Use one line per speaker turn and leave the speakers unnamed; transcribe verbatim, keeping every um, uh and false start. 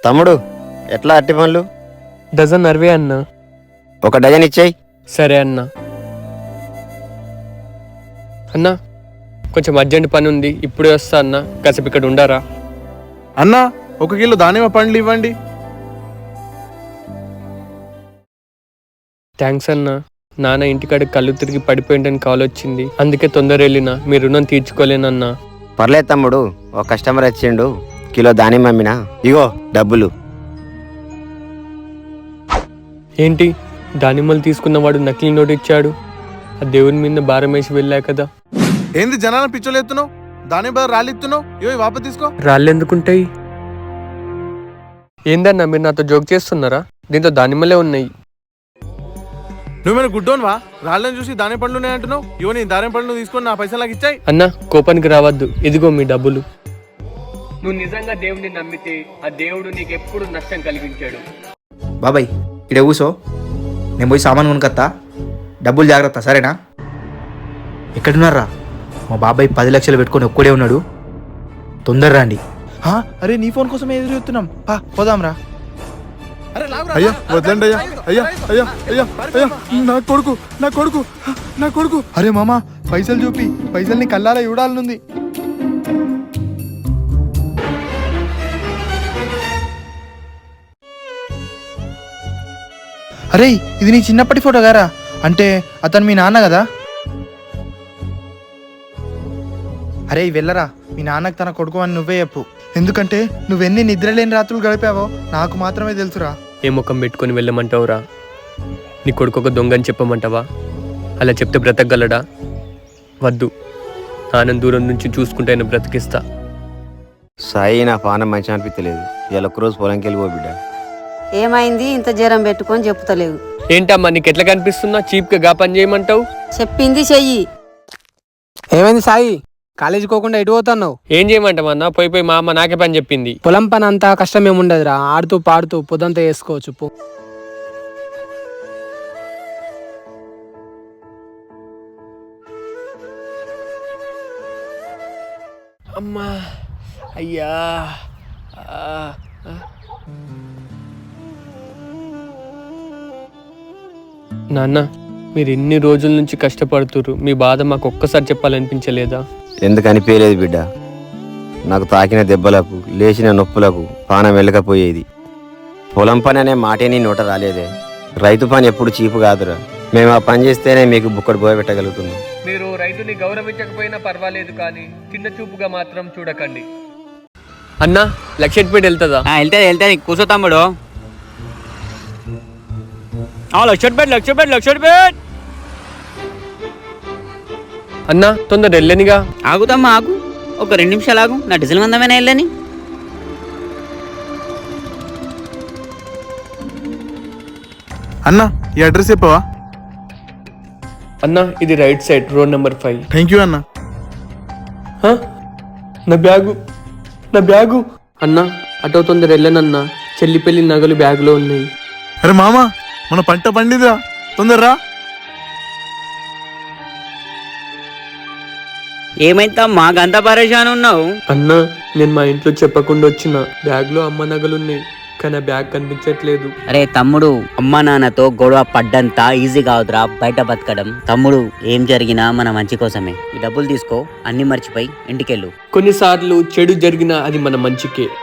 తమ్ముడు ఎట్లా అట్టి పండ్లు?
డజన్ అరవై అన్న.
ఒక డజన్ ఇచ్చేయి.
సరే అన్న. అన్న కొంచెం అర్జెంట్ పని ఉంది, ఇప్పుడే వస్తా అన్న, కాసేపు ఇక్కడ ఉండారా?
అన్నా ఒక కిలో దానిమ్మ పండ్లు ఇవ్వండి.
థ్యాంక్స్ అన్న. నాన్న ఇంటికాడ కళ్ళు తిరిగి పడిపోయిందని కాల్ వచ్చింది, అందుకే తొందర వెళ్ళినా. మీ రుణం తీర్చుకోలేనన్నా.
పర్లేదు తమ్ముడు, ఒక కస్టమర్ వచ్చిండు, కిలో దానిమ్మ అమ్మినా, ఇగో డబ్బులు.
ఏంటి దానిమ్మలు తీసుకున్నవాడు నకిలీ నోటు ఇచ్చాడు? ఆ దేవుని మీద భారం వేసి వెళ్ళా కదా.
ఏంది జనాలను పిచ్చోలు ఎత్తున్నావు? దానిమ్మ బదులు రాళ్ళు ఇస్తున్నావు. ఇవో వాప తీసుకో.
రాళ్ళు ఎందుకుంటాయి? ఏందన్నా మీరు నాతో జోక్ చేస్తున్నారా? దీంతో దానిమ్మలే ఉన్నాయి.
నువ్వేమైనా గుడ్డోన్వా? రాళ్ళని చూసి దాని పండ్లు ఉన్నాయంటున్నావు. ఇవో నీ దాని పండ్లు తీసుకొని నా పైసలు నాకు ఇచ్చాయి.
అన్న కోపానికి రావద్దు, ఇదిగో మీ డబ్బులు. నువ్వు నిజంగా దేవుడిని నమ్మితే ఆ దేవుడు నీకు ఎప్పుడు నష్టం కలిగించాడు.
బాబాయ్ ఇక్కడ కూసో, నేను పోయి సామాన్ కొనుకొత్తా, డబ్బులు జాగ్రత్త సరేనా? ఎక్కడున్నారా? మా బాబాయ్ పది లక్షలు పెట్టుకొని ఒక్కడే ఉన్నాడు, తొందర రండి. అరే నీ ఫోన్ కోసం ఎదురు చూస్తున్నాం, పోదాంరా.
అయ్యా వద్దండి అయ్యా, అయ్యా అయ్యా అయ్యా అయ్యా నా కొడుకు నా కొడుకు నా కొడుకు. అరే మామ పైసలు చూపి, పైసల్ని కల్లారా చూడాలనుంది.
అరే ఇది నీ చిన్నప్పటి ఫోటో గారా? అంటే అతను మీ నాన్న కదా? అరే వెళ్ళరా, మీ నాన్నకు తన కొడుకు అని నువ్వే చెప్పు. ఎందుకంటే నువ్వెన్ని నిద్రలేని రాత్రులు గడిపావో నాకు మాత్రమే తెలుసురా.
ఏ ముఖం పెట్టుకొని వెళ్ళమంటావురా? నీ కొడుకు ఒక దొంగని చెప్పమంటావా? అలా చెప్తే బ్రతకగలడా? వద్దు, నాన్న దూరం నుంచి చూసుకుంటే ఆయన బ్రతికిస్తా.
సాయి నా పానం మంచి అనిపించలేదు, ఇలా ఒక్కరోజు పొలంకి వెళ్ళిపో బిడ్డ.
ఏమైంది ఇంత జ్వరం పెట్టుకొని చెప్తలేవు?
ఏంటమ్మా నీకు ఎట్లా కనిపిస్తున్నా? చీప్గా గా పని చేయమంటావు?
చెప్పింది చెయ్యి.
ఏమైంది సాయి, కాలేజీ పోకుండా ఎటు పోతున్నావు?
ఏం చేయమంటామన్నా, పోయి పోయి మా అమ్మ నాకే పని చెప్పింది.
పొలం పని అంతా కష్టం ఏముండదురా, ఆడుతూ పాడుతూ పొద్దంతా వేసుకోవచ్చు. పో.
అమ్మా అయ్యా. నాన్న మీరు ఎన్ని రోజుల నుంచి కష్టపడుతురు, మీ బాధ మాకు ఒక్కసారి చెప్పాలనిపించలేదా?
ఎందుకు అనిపించలేదు బిడ్డ, నాకు తాకిన దెబ్బలకు లేచిన నొప్పులకు పానం వెళ్ళకపోయేది. పొలం పని అనే మాటే నీ నోట రాలేదే. రైతు పని ఎప్పుడు చీపు కాదురా, మేము ఆ పని చేస్తేనే మీకు బుక్కడు పోయ పెట్టగలుగుతున్నాం.
మీరు రైతుని గౌరవించకపోయినా పర్వాలేదు, కానీ చిన్న చూపుగా మాత్రం చూడకండి. అన్నా లక్షపేట వెళ్తుందా?
వెళ్తాది వెళ్తాది కూర్చో తమ్ముడు. లక్షపేట లక్షపేట లక్షపేట
అన్నా తొందర వెళ్ళనిగా.
ఆగుతమ్మా ఆగు, ఒక రెండు నిమిషాలు ఆగు, నా డీజిల్ మందమైనా వెళ్ళని.
అన్నా ఈ అడ్రస్ చెప్పవా?
అన్నా ఇది right side, road number five.
Thank you అన్నా.
నా బ్యాగు నా బ్యాగు అన్నా అటో తొందర వెళ్ళనన్నా, చెల్లి పెళ్లి నగలు బ్యాగులో ఉన్నాయి.
అరే మామ మన పంట పండిదా, తొందరరా.
ఏమైందమ్మా గంత పరేషాన్ ఉన్నావు?
అన్నా నేను మా ఇంట్లో చెప్పకుండా వచ్చిన, బ్యాగ్ లో అమ్మ నగలున్నాయి, కానీ ఆ బ్యాగ్ కనిపించట్లేదు.
అరే తమ్ముడు, అమ్మా నాన్నతో గొడవ పడ్డంత ఈజీ కావద్దురా బయట బతకడం. తమ్ముడు ఏం జరిగినా మన మంచి కోసమే. ఈ డబ్బులు తీసుకో, అన్ని మర్చిపోయి ఇంటికెళ్ళు.
కొన్నిసార్లు చెడు జరిగినా అది మన మంచికే.